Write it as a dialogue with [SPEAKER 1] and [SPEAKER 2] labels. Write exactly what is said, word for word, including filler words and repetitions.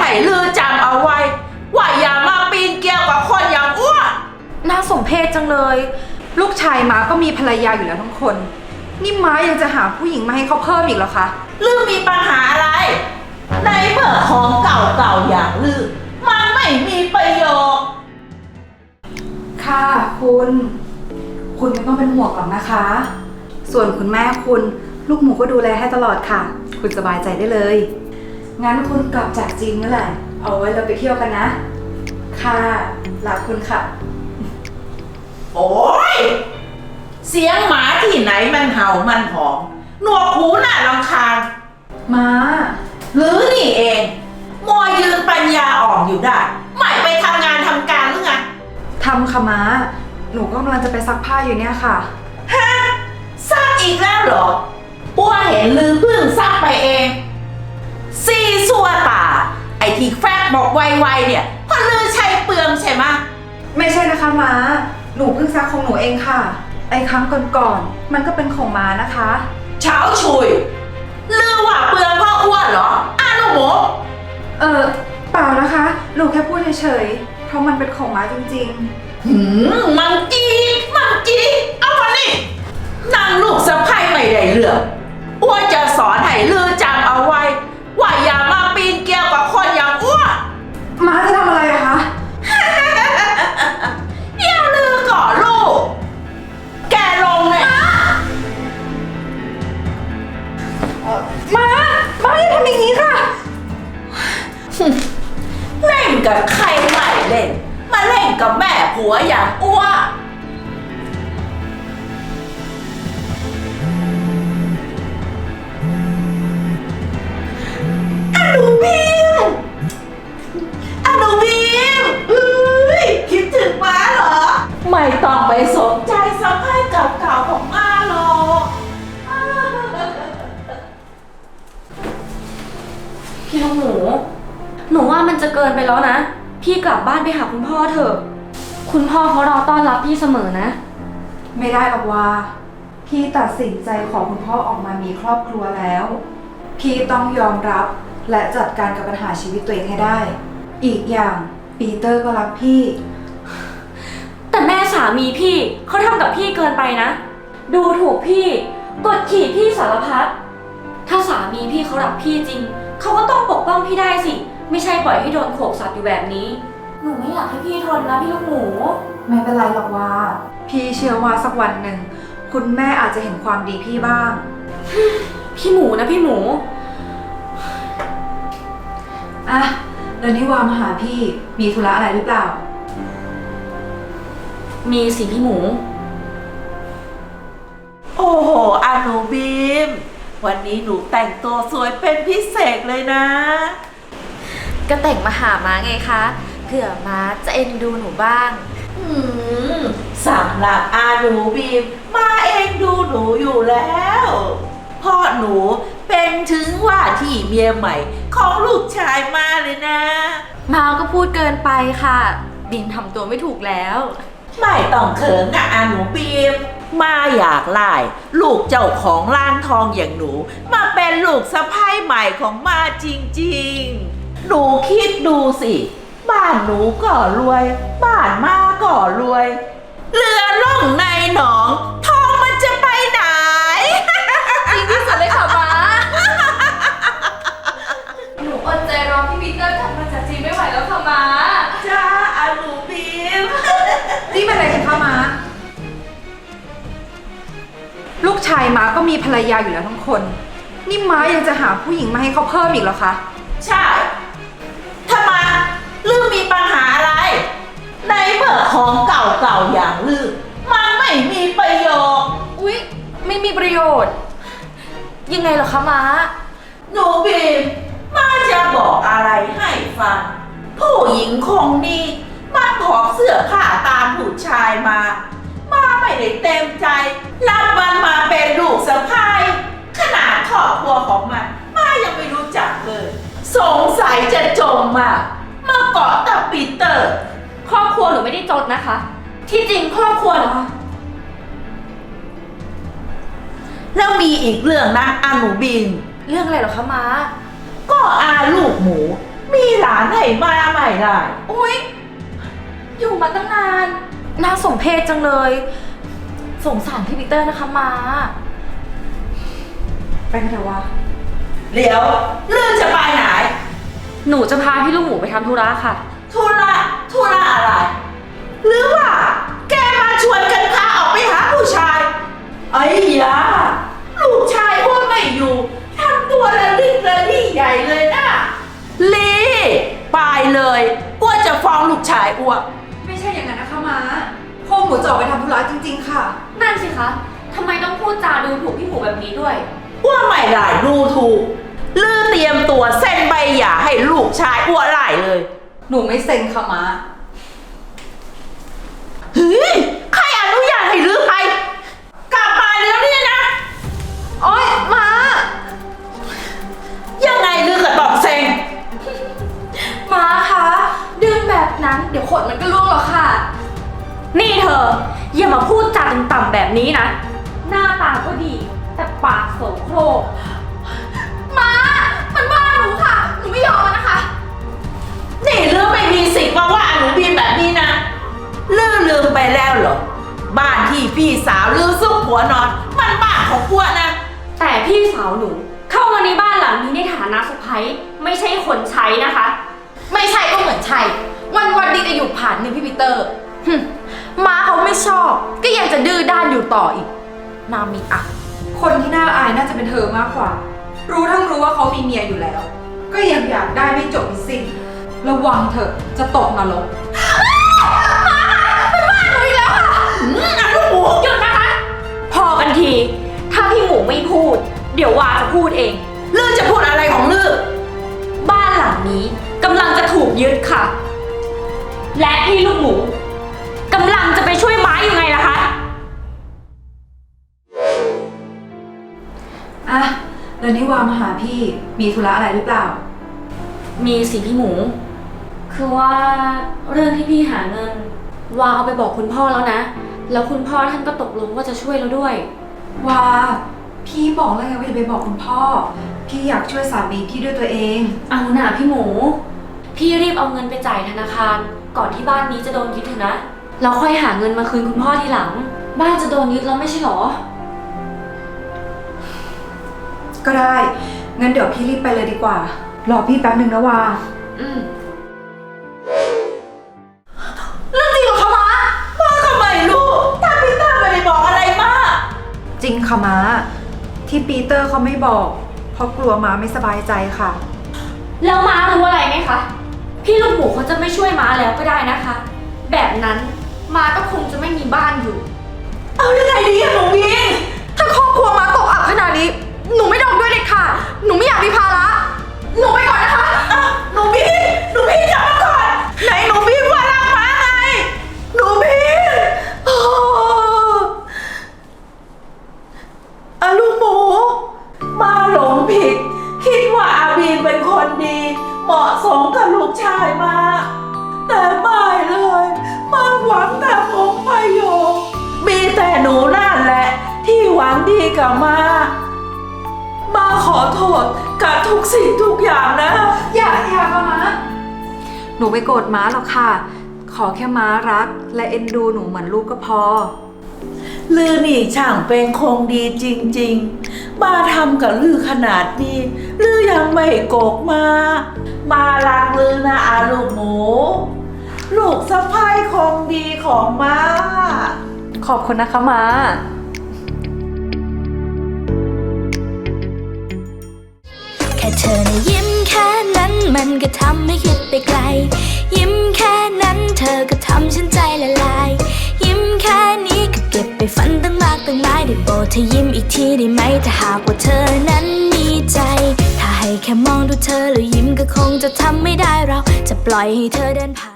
[SPEAKER 1] ให้ลือจำเอาไว้ว่าอย่ามาปีนเกลียวกับคนอย่างอ้วน
[SPEAKER 2] น่าสมเพชจังเลย ลูกชายม้าก็มีภรรยาอยู่แล้วทั้งคนนี่ม้ายังจะหาผู้หญิงมาให้เขาเพิ่มอีกเหรอคะ
[SPEAKER 1] ลือมีปัญหาอะไรในเมื่อของเก่าๆอย่างลือมันไม่มีประโยชน์
[SPEAKER 2] ค่ะคุณคุณไม่ต้องเป็นห่วงหรอกนะคะ ส่วนคุณแม่คุณลูกหมูก็ดูแลให้ตลอดค่ะคุณสบายใจได้เลยงั้นคุณกลับจากจีนเมื่อไหร่เอาไว้เราไปเที่ยวกันนะค่ะรักคุณค่ะ
[SPEAKER 1] โอ้ยเสียงหมาที่ไหนมันเห่ามันหอนหนวกหูน่ารำคาญ
[SPEAKER 2] ม้า
[SPEAKER 1] หรือนี่เองมัวยืนปัญญาอ่อนอยู่ได้ไม่ไปทำงานทำการหรือไง
[SPEAKER 2] ทำค่ะม้าหนูก็กำลังจะไปซักผ้าอยู่เนี่ยค่ะ
[SPEAKER 1] ฮะซักอีกแล้วเหรออ้วเห็นลือเพิ่งซักไปเองซีซัวตาไอที่แฟกบอกไวๆเนี่ยเพราะลือใช้เปลืองใช่ไหม
[SPEAKER 2] ไม่ใช่นะคะม้าหนูเพิ่งซักของหนูเองค่ะไอครั้งก่อนๆมันก็เป็นของม้านะคะ
[SPEAKER 1] เช้าชุยลือว่าเปลืองเพราะอ้วนเหรออ้าลูกหมู
[SPEAKER 2] เออเปล่านะคะหนูแค่พูดเฉยๆเพราะมันเป็นของม้าจริง
[SPEAKER 1] ๆหืมมังจีมังจีเอามานี่นั่งลูกสะใภ้ไม่ได้เรื่องอ้วนจะสอนให้ลือจำเอาไว้ว่าอย่ามาปีนเกลียวกับคนอย่างอ้วน
[SPEAKER 2] ม้าจะทำอะไรอะคะ
[SPEAKER 1] เดี๋ยวลือก่อนลูกแกลงเลย
[SPEAKER 2] ม้าม้าอย่าทำอย่างนี้ค่ะ
[SPEAKER 1] เล่นกับใครไม่เล่นมาเล่นกับแม่ผัวอย่างอ้วนอนุบีมอนุบีมเอ้ยคิดถึงม้าเหรอไม่ต้องไปสนใจสะใภ้เก่าๆของม้าหรอก
[SPEAKER 3] พี่ลูกหมูหนูว่ามันจะเกินไปแล้วนะพี่กลับบ้านไปหาคุณพ่อเถอะคุณพ่อเขารอต้อนรับพี่เสมอนะ
[SPEAKER 2] ไม่ได้หรอกว่าพี่ตัดสินใจขอคุณพ่อออกมามีครอบครัวแล้วพี่ต้องยอมรับและจัดการกับปัญหาชีวิตตัวเองให้ได้อีกอย่างปีเตอร์ก็รักพี่
[SPEAKER 3] แต่แม่สามีพี่เขาทำกับพี่เกินไปนะดูถูกพี่กดขี่พี่สารพัดถ้าสามีพี่เขารักพี่จริงเขาก็ต้องปกป้องพี่ได้สิไม่ใช่ปล่อยให้โดนโขกสับอยู่แบบนี้หนูไม่อยากให้พี่ทนนะพี่ลูกหมู
[SPEAKER 2] ไม่เป็นไรหรอกว่าพี่เชื่อว่าสักวันหนึ่งคุณแม่อาจจะเห็นความดีพี่บ้าง
[SPEAKER 3] พี่หมูนะพี่หมู
[SPEAKER 2] อ่ะเดี๋ยวนี้วามาหาพี่มีธุระอะไรหรือเปล่า
[SPEAKER 3] มีสิพี่หมู
[SPEAKER 1] โอ้โหอนุบีมวันนี้หนูแต่งตัวสวยเป็นพิเศษเลยนะ
[SPEAKER 3] ก็แต่งมาหาม้าไงคะเผื่อม้าจะเอ็นดูหนูบ้าง
[SPEAKER 1] อืมสำหรับอาหนูบีมมาเอ็นดูหนูอยู่แล้วพ่อหนูเป็นถึงว่าที่เมียใหม่ของลูกชายมาเลยนะ
[SPEAKER 3] ม้าก็พูดเกินไปค่ะบีมทำตัวไม่ถูกแล้ว
[SPEAKER 1] ไม่ต้องเขินนะอาหนูบีมมาอยากไล่ลูกเจ้าของร้านทองอย่างหนูมาเป็นลูกสะใภ้ใหม่ของมาจริงๆหนูคิดดูสิบ้านหนูก็รวยบ้านมาก็รวยเรือล่องในหนองทองมันจะไปไหน
[SPEAKER 3] จริงที่สุดเลยค่ะม้าหนูอดใจรอพี่ปีเตอร์กลับมาจากจีนไม่ไหวแล้วค่ะม้า
[SPEAKER 1] จ้าอาหนูบีม
[SPEAKER 2] นี่เป็นอะไรกันคะม้าลูกชายม้าก็มีภรรยาอยู่แล้วทั้งคนนี่ม้ายังจะหาผู้หญิงมาให้เขาเพิ่มอีกเหรอคะ
[SPEAKER 1] ใช่ทำไมลือมีปัญหาอะไรในเมื่อของเก่าๆอย่างลือมันไม่มีประโยชน์
[SPEAKER 3] อุ๊ยไม่มีประโยชน์ยังไงเหรอคะม้า
[SPEAKER 1] หนูบีมม้าจะบอกอะไรให้ฟังผู้หญิงคงนี้มันขอเสื้อผ้าตามผู้ชายมามาไม่ได้เต็มใจรับมันมาเป็นลูกสะใภ้ขนาดครอบครัวของมันมายังไม่รู้จักเลยสงสัยจะจมมามาเกาะกับปีเตอร์
[SPEAKER 3] ครอบครัวหนูไม่ได้จนนะคะที่จริงครอบครัวหนู
[SPEAKER 1] แล้วมีอีกเรื่องนะอาหนูบิน
[SPEAKER 3] เรื่องอะไรเหรอคะม้า
[SPEAKER 1] ก็อาลูกหมูมีหลานให้มาใหม่ได้
[SPEAKER 3] อุ๊ย อยู่มาตั้งนาน น่าสมเพชจังเลย สงสารพี่ปีเตอร์นะคะมา
[SPEAKER 2] ไปกันเถอะวะ
[SPEAKER 1] เดี๋ยวเรื่องจะไปไหน
[SPEAKER 3] หนูจะพาพี่ลูกหมูไปทำธุระค่ะ
[SPEAKER 1] ธุระธุระอะไร หรือว่าแกมาชวนกันพาออกไปหาผู้ชายไอ้ยาลูกชายอ้วนไม่อยู่ทำตัวระลิกระลี่ใหญ่เลยนะลีไปเลยอ้วนจะฟ้องลูกชายอ้วน
[SPEAKER 2] ไม่ใช่อย่างนั้นนะคะม้าพวกหมูจะออกไปทำธุระจริงๆค่ะ
[SPEAKER 3] นั่นสิคะทำไมต้องพูดจาดูถูกพี่หมูแบบนี้ด้วย
[SPEAKER 1] อ้วนไม่หลายดูถูกลือเตรียมตัวเส้นใบหย่าให้ลูกชายอ้วนหลายเลย
[SPEAKER 2] หนูไม่เซ็นค่ะม้า
[SPEAKER 1] เฮ้ยใครอนุญาตให้ลือไป กลับมาแล้วเนี่ยนะ
[SPEAKER 2] โอ๊ยม้า
[SPEAKER 1] ยังไงลือกับตอบเซ็ง
[SPEAKER 3] มาคะดึงแบบนั้นเดี๋ยวขนมันก็ล่วงหรอกค่ะ นี่เธอ อย่ามาพูดจาต่ำๆแบบนี้นะ หน้าตาก็ดี แต่ปากโสโครกมา มันว่าหนูค่ะ หนูไม่ยอมมันนะคะ
[SPEAKER 1] นี่ลือไม่มีสิทธิ์มาว่าหนูบีมแบบนี้นะลือลืมไปแล้วเหรอ บ้านที่พี่สาวลือซุกหัวนอน มันบ้านของอ้วนนะ
[SPEAKER 3] แต่พี่สาวหนูเข้ามาในบ้านหลังนี้ในฐานะสะใภ้ไม่ใช่คนใช้นะคะ
[SPEAKER 4] ไม่ใช่ก็เหมือนใช่ วันวันๆดีจะอยู่ผ่านเงินพี่ปีเตอร์หึม้าเขาไม่ชอบ ก็ยังจะดื้อด้านอยู่ต่ออีก นามีอ่ะ
[SPEAKER 2] คนที่น่าอายน่าจะเป็นเธอมากกว่า รู้ทั้งรู้ว่าเขามีเมียอยู่แล้ว ก็ยังอยากได้ไม่จบไม่สิ้นระวังเถอะจะตกนรก
[SPEAKER 1] อืมอ่ะลูกหมู
[SPEAKER 3] หยุดนะคะ พอกันที ถ้าพี่หมูไม่พูด เดี๋ยววาจะพูดเอง
[SPEAKER 1] ลือจะพูดอะไรของลือ
[SPEAKER 3] บ้านหลังนี้กำลังจะถูกยึดค่ะ และพี่ลูกหมูกำลังจะไปช่วยไม้ยังไงล่ะคะ
[SPEAKER 2] อ่ะ แล้วนี่วามาหาพี่ มีธุระอะไรหรือเปล่า
[SPEAKER 3] มีสิพี่หมู คือว่าเรื่องที่พี่หาเงิน วาเอาไปบอกคุณพ่อแล้วนะ แล้วคุณพ่อท่านก็ตกลงว่าจะช่วยเราด้วย
[SPEAKER 2] วา พี่บอกแล้วไงว่าอย่าไปบอกคุณพ่อ พี่อยากช่วยสามีพี่ด้วยตัวเอง
[SPEAKER 3] เอาหน่าพี่หมู พี่รีบเอาเงินไปจ่ายธนาคาร ก่อนที่บ้านนี้จะโดนยึดเถอะนะแล้วค่อยหาเงินมาคืนคุณพ่อทีหลัง บ้านจะโดนยึดแล้วไม่ใช่หรอ
[SPEAKER 2] ก็ได้ งั้นเดี๋ยวพี่รีบไปเลยดีกว่า รอพี่แป๊บหนึ่งนะวา
[SPEAKER 3] อืม
[SPEAKER 1] เรื่องจริงเหรอคะม้าม้าก็ไม่รู้ถ้าพี่เตอร์ไม่ได้บอกอะไรมา
[SPEAKER 2] จริงค่ะม้า ที่ปีเตอร์เขาไม่บอก เพราะกลัวม้าไม่สบายใจค่ะ
[SPEAKER 3] แล้วม้ารู้อะไรไหมคะ พี่ลูกหมูเขาจะไม่ช่วยม้าแล้วก็ได้นะคะ แบบนั้นม้าก็คงจะไม่มีบ้านอยู่
[SPEAKER 1] เอายังไงดีอะหนูบีม
[SPEAKER 4] ถ้าครอบครัวม้าตกอับขนาดนี้ หนูไม่ดองด้วยเด็ดขาดหนูไม่อยากมีภาระ หนูไปก่อนนะคะ
[SPEAKER 1] อ่ะหนูบีมหนูบีมจับมาก่อนไหนหนูบีมว่ารักม้าไงหนูบีมโอ้อะลูกหมูมาหลงผิด คิดว่าอาบีมเป็นคนดี เหมาะสมกับลูกชายมา แต่ไม่เลยมันหวังแต่ผลประโยชน์มีแต่หนูนั่นแหละ ที่หวังดีกับมา มาขอโทษกับทุกสิ่งทุกอย่างนะ
[SPEAKER 2] อย่าอย่าค่ะม้า หนูไม่โกรธม้าหรอกค่ะ ขอแค่ม้ารัก และเอ็นดูหนูเหมือนลูกก็พอ
[SPEAKER 1] ลือนี่ช่างเป็นคงดีจริงๆ มาทำกับลือขนาดนี้ ลือยังไม่โกกมา มารักลือนะอาลูกหมู ลูกสะพ้ายคงดีของมา
[SPEAKER 2] ขอบคุณนะคะม้า
[SPEAKER 5] แค่เธอนะยิ้มแค่นั้นมันก็ทำให้คิดไปไกล ยิ้มแค่นั้นเธอก็ทำฉันใจละลาย ยิ้มแค่นี้ก็เก็บไปฝันตั้งมากตั้งหลายได้โปรดเธอยิ้มอีกทีได้ไหมถ้าหากว่าเธอนั้นมีใจ ถ้าให้แค่มองดูเธอแล้วยิ้มก็คงจะทำไม่ได้เราจะปล่อยให้เธอเดินผ่าน